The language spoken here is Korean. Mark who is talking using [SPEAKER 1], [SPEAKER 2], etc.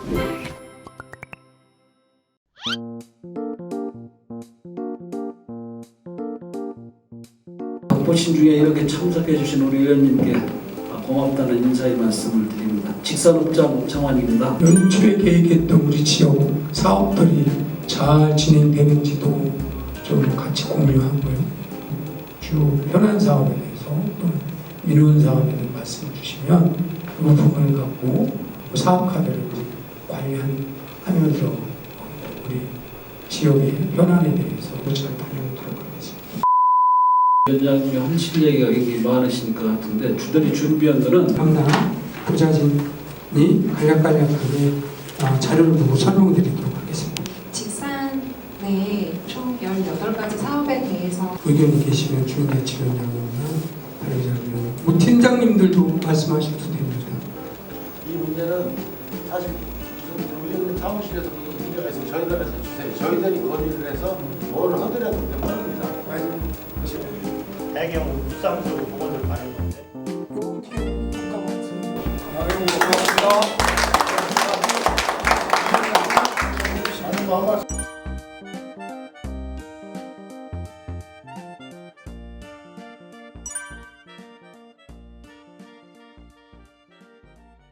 [SPEAKER 1] 보신 중에 이렇게 참석해 주신 우리 의원님께 고맙다는 인사의 말씀을 드립니다. 직산업자 장관입니다.
[SPEAKER 2] 연초에 계획했던 우리 지역 사업들이 잘 진행되는지도 좀 같이 공유하고요. 주 현안 사업에 대해서 또는 민원 사업에 대해 말씀해 주시면 그 부분을 갖고 사업 카드를 관리하면서 우리 지역의 현안에 대해서 잘 반영하도록 하겠습니다.
[SPEAKER 1] 위원장님이 하실 얘기가 굉장히 많으신 것 같은데 주들이 준비한 거는
[SPEAKER 2] 강남 부자진이 간략하게 자료를 보고 설명드리도록 하겠습니다.
[SPEAKER 3] 직산 내 총 18가지 사업에 대해서
[SPEAKER 2] 의견이 계시면 주민자치위원장이나 관리자님, 뭐 팀장님들도 말씀하셔도 됩니다.
[SPEAKER 4] 이 문제는 사실 지금 의원님 사무실에서 무슨 문제가 있으면 저희들한테 주세요. 저희들이 건의를 해서 뭘 하더라도 됩니다.
[SPEAKER 5] 대경 묵상수 보고를 받는 건데.
[SPEAKER 4] 아이고, 고맙습니다.